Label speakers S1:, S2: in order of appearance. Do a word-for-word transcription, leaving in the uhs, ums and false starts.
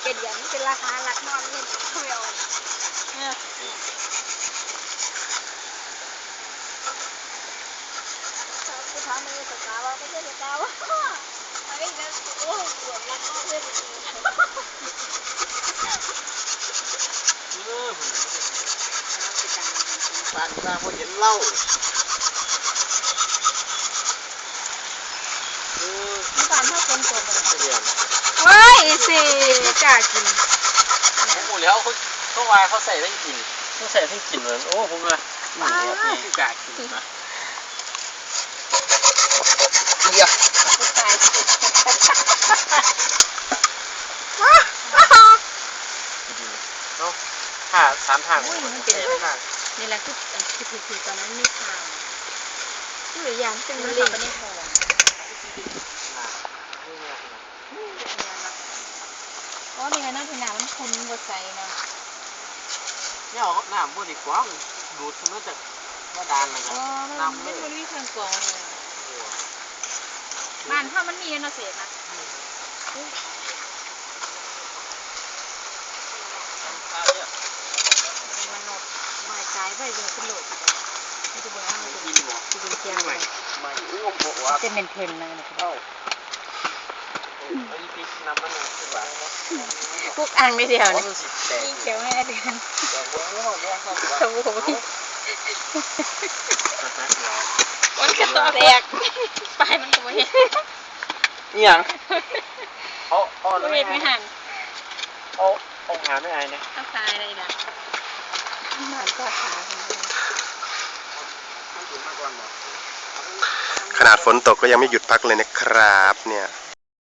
S1: เจ็ดเดือนเป็นราคาหลักนอนเลยเขาไม่เอาเนี่ยกูถามมึงสกาวไม่ใช่สกาวไอ้นั่นโอ้ปวดรักนอนเลย
S2: เออผมสั่งมาเพราะเห็นเหล้าเออ
S1: มีการถ้าคนตัวมัน
S2: เดือน
S1: เฮ้ยสิกล้ากิน
S2: ผมพูดแล้วเขาเขาวายเขาใส่ได้กินเขาใส่ได้กินเหมือนโอ้ผมว่าหมูเนี่ยพี่กากินนะเดี๋ยวเอาห้าสามทางมันเป็นทาง
S1: นี่แหละคือคือคือคือตอนนั้นไม่ทางคืออย่างเป็นมะเร็งในท้องอ๋อนี่ไงน้ำที่น้ำมันคุณบดใส่เนาะ
S2: เนี่ยเอาน้ำพวกนี้กว้างดูดมาจากว่าดานอะไรกันน้ำ
S1: ไม่
S2: เลย
S1: มันมีเครื่องกรองเลยบ้านถ้ามันมีเนาะเสพนะมันหนดหน่อยใจไปเลยขึ้นโหลดมันจะบอกว่ามันจะเป็นเทียมเลย
S2: ไม่อุ้มบอกว่า
S1: จะเป็นเทนเลยนะ
S2: เอ้าไอ้พริกน้ำมันคือแบบ
S1: พวกอ่างไม่เดียว
S2: อ๋อ
S1: นี่
S2: มันสิแตก
S1: เขียวแม่เดือน
S2: แต่เว้ยเขาเนี่ยเขาบอกว่า
S1: สมมติมันกระต่อแตกปลายมันก็ไม่เห็น
S2: นี่ยังเขาเขา
S1: ไม่เห็นไม่หัน
S2: เขาเขาหาไม่อายนะ
S1: ต้องตายอะไรล่ะหมันก็ขา
S3: ขนาดฝนตกก็ยังไม่หยุดพักเลยนะครับเนี่ย